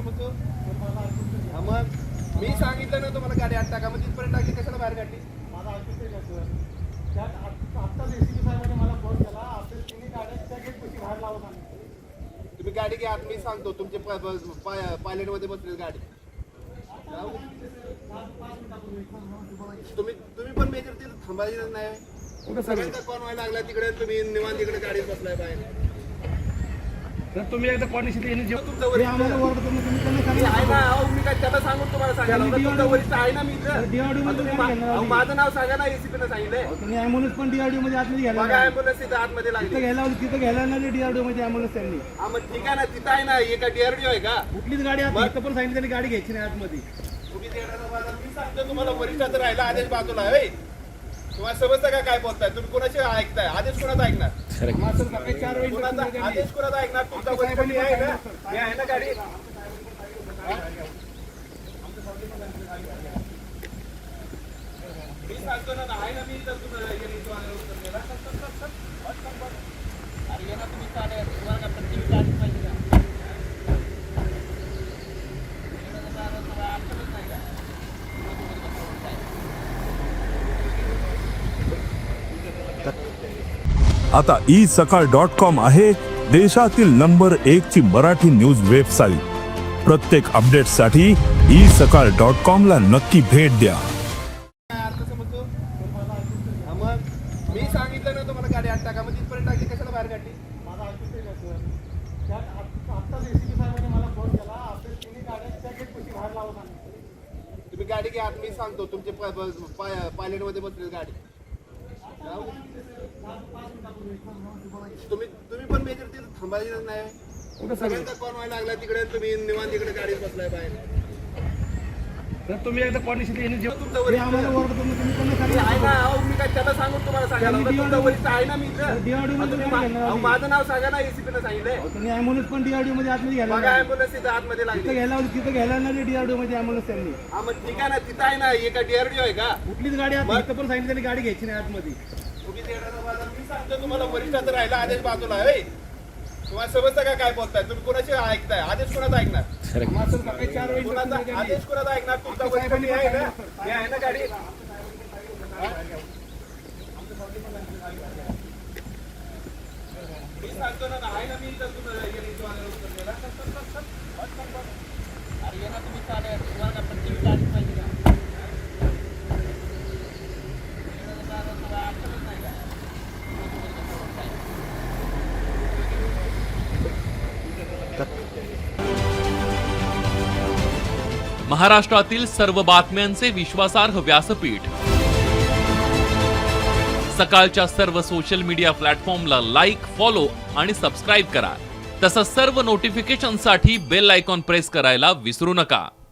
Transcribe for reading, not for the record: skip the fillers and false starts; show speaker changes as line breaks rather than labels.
समजतो? मग मी सांगितलं ना तुम्हाला गाडी आत टाका, मग तिथपर्यंत टाकली कशाला बाहेर काढली?
माझा ऐकूच आहे का सर? त्यात आत्ताच एसीपी साहेबांनी मला फोन केला, आपल्या तिन्ही गाड्यांच्या गेटपाशी बाहेर लावत आम्ही.
तुम्ही गाडी घ्या, मी सांगतो तुमचे पायलट मध्ये बसले गाडी. तुम्ही पण मेजर तिथे थांबायचं नाही. सगळ्यांचा कॉन व्हायला लागला तिकडे, तुम्ही निवांत तिकडे गाडीत बसलाय बाहेर.
तुम्ही एकदा कॉर्डिनेशन यांनी जेव्हा
तुमचं वरिष्ठ
आम्हाला ओरडतो तुम्ही त्यांना
मी
सांगा.
आहे ना, अहो मी काय त्याला सांगून तुम्हाला सांगायला होतं. तुमचं वरिष्ठ आहे ना मी इथं.
DRDO मध्ये
तुम्ही
नाही घेणार आम्ही.
माझं नाव सांगा ना, एसीपी ने सांगितलंय.
तुम्ही ॲम्ब्युलन्स पण DRDO मध्ये आतमध्ये घ्यायला
बघा
लागले.
ऍम्ब्युलन्स तिथं आतमध्ये
तिथं
लागली.
घ्यायला लागले DRDO मध्ये ॲम्ब्युलन्स त्यांनी.
हा मग ठीक आहे ना, तिथं आहे ना, एका DRDO आहे का?
कुठलीच गाडी आत इथं पण सांगितलं त्यांनी गाडी घ्यायची नाही आतमध्ये.
तुम्ही देण्याचा बाजार मी सांगतो तुम्हाला, वरिष्ठाचं राहिला आदेश बाजूला आहे होय. तुम्हाला समजतं का काय बोलताय तुम्ही? कोणाचे ऐकताय? आदेश कोणाचा ऐकणार?
आम्हाला सर सकाळी 4 वेळी
कोणाचा
instruction दिली.
आदेश कोणाचा ऐकणार? तुमचा वरिष्ठ मी आहे ना, मी आहे ना गाडी. मी सांगतो ना, आहे ना मी इथं. तुम्हाला अरे ये ना तुम्ही चालेल, तुम्हाला का प्रत्येक गाडी पाहिजे का?
आता isakal.com आहे देशातील नंबर 1 ची मराठी न्यूज वेबसाईट. प्रत्येक अपडेटसाठी isakal.com ला नक्की भेट द्या.
काय अर्थ समजतो? हा मग मी सांगितलं ना तुम्हाला गाडी आत टाका, मग तिथपर्यंत टाकली कशाला बाहेर काढली?
माझा ऐकूच आहे का सर? त्यात आत्ताच एसीपी साहेबांनी मला फोन केला, आपल्या तिन्ही गाड्यांच्या गेटपाशी बाहेर लावत आम्ही.
तुम्ही गाडी घ्या, मी सांगतो तुमचे पायलट मध्ये बसले गाडी. तुम्ही पण मेजर तिथे थांबायचं नाही. सगळ्यांचा कॉन व्हायला लागला तिकडे, तुम्ही निवांत तिकडे गाडीत बसलाय बाहेर.
तर तुम्ही एकदा कॉर्डिनेशन यांनी जेव्हा
तुमचं वरिष्ठ
आम्हाला ओरडतो तुम्ही त्यांना
मी
सांगा.
आहे ना, अहो मी काय त्याला सांगून तुम्हाला सांगायला होतं. तुमचं वरिष्ठ आहे ना मी इथं.
DRDO मध्ये
तुम्ही
नाही घेणार आम्ही.
माझं नाव सांगा ना, एसीपी ने सांगितलंय.
तुम्ही ॲम्ब्युलन्स पण DRDO मध्ये आतमध्ये घ्यायला
बघा
लागले.
ऍम्ब्युलन्स तिथं आतमध्ये लागली.
तिथं घ्यायला लागले DRDO मध्ये ॲम्ब्युलन्स त्यांनी.
हा मग ठीक आहे ना, तिथं आहे ना, एका DRDO आहे का?
कुठलीच गाडी आत इथं पण सांगितलं त्यांनी गाडी घ्यायची नाही आतमध्ये.
तुम्ही देण्याचा बाजार मी सांगतो तुम्हाला, वरिष्ठाचं राहिला आदेश बाजूला आहे होय. तुम्हाला समजतं का काय बोलताय तुम्ही? कोणाचे ऐकताय? आदेश कोणाचा ऐकणार?
आम्हाला सर सकाळी 4 वेळी instruction
कोणाचा
दिली.
आदेश कोणाचा ऐकणार? तुमचा वरिष्ठ मी आहे ना, मी आहे ना गाडी. मी सांगतो ना, आहे ना मी इथं. तुम्हाला अरे ये ना तुम्ही चालेल, तुम्हाला का प्रत्येक गाडी पाहिजे का?
महाराष्ट्रातील सर्व बातम्यांचे विश्वासार्ह व्यासपीठ. सकाळच्या सर्व सोशल मीडिया प्लॅटफॉर्मला लाईक, फॉलो आणि सबस्क्राईब करा. तसंच सर्व नोटिफिकेशनसाठी बेल आयकॉन प्रेस करायला विसरू नका.